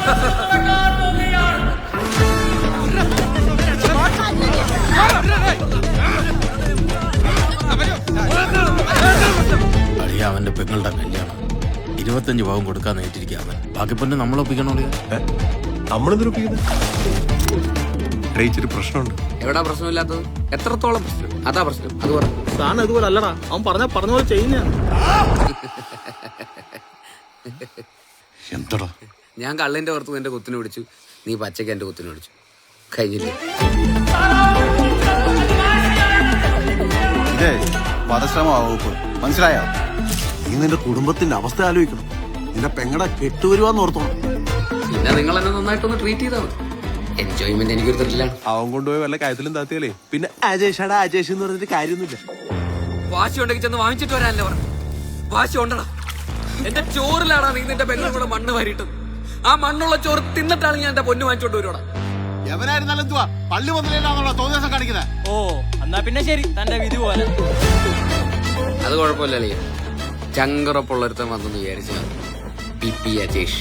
അവന്റെ പെങ്ങളുടെ കല്യാണം 25 ഭാഗം കൊടുക്കാൻ നേരിട്ടിരിക്കുക അവൻ. ബാക്കി പിന്നെ നമ്മളൊപ്പിക്കണോ? നമ്മളിതൊരു പ്രശ്നമുണ്ട്. എവിടാ പ്രശ്നമില്ലാത്തത്? എത്രത്തോളം പ്രശ്നം? അതാ പ്രശ്നം. അത് പറ. സാധനം ഇതുപോലെ അല്ലടാ, അവൻ പറഞ്ഞ പോലെ ചെയ്യുന്ന. എന്തടാ? ഞാൻ കള്ളിന്റെ പുറത്ത് നിന്റെ കുത്തിന് പിടിച്ചു, നീ പച്ചയ്ക്ക് എന്റെ കുത്തിന് പിടിച്ചു. കഴിഞ്ഞില്ലേ? ഇതേ വധശ്രമമാവും, മനസ്സിലായോ? നീ നിന്റെ കുടുംബത്തിന്റെ അവസ്ഥ ആലോചിക്കണം. നിന്റെ പെങ്ങടെ കെട്ടുവരുവാന്ന് ഓർത്തോണം. പിന്നെ നിങ്ങൾ എന്നെ നന്നായിട്ടൊന്ന് ട്രീറ്റ് ചെയ്താൽ മതി. എൻജോയ്മെന്റ് എനിക്കൊരു ത്രില്ലാണ്. അവൻ കൊണ്ടുപോയി വല്ല കാര്യത്തിലും താത്തിയാലേ പിന്നെ അജേഷാടാ അജേഷ് എന്ന് പറഞ്ഞിട്ട് കാര്യമൊന്നുമില്ല. വാശി ഉണ്ടെങ്കിൽ ചെന്ന് വാങ്ങിച്ചിട്ട് വരാനല്ലേ പറഞ്ഞു. വാശി ഉണ്ടടാ. എന്റെ ചോറിലാടാ നീ നിന്റെ പെങ്ങളും കൂടെ മണ്ണ് വാരിയിട്ടത്. ആ മണ്ണുള്ള ചോറ് തിന്നിട്ടാണ് ഞാൻ എന്റെ പൊന്നു വാങ്ങിച്ചോണ്ട് വരുവാടാ. എവനായിരുന്നാലും എന്തുവാ പള്ളി മുതലേനാണല്ലോ തോന്നിയാസം കാണിക്കുന്നത്. ഓ എന്നാ പിന്നെ ശരി, തന്റെ വിധി പോലെ. അത് കുഴപ്പമില്ലല്ലേ, ചങ്കറപ്പുള്ളൊരുത്തൻ വന്നെന്ന് വിചാരിച്ചു. പി അജേഷ്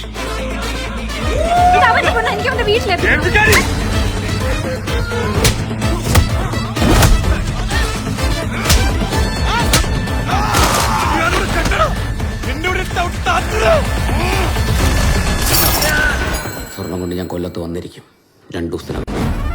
സ്വർണം കൊണ്ട് ഞാൻ കൊല്ലത്ത് വന്നിരിക്കും 2 ദിവസത്തിനകം.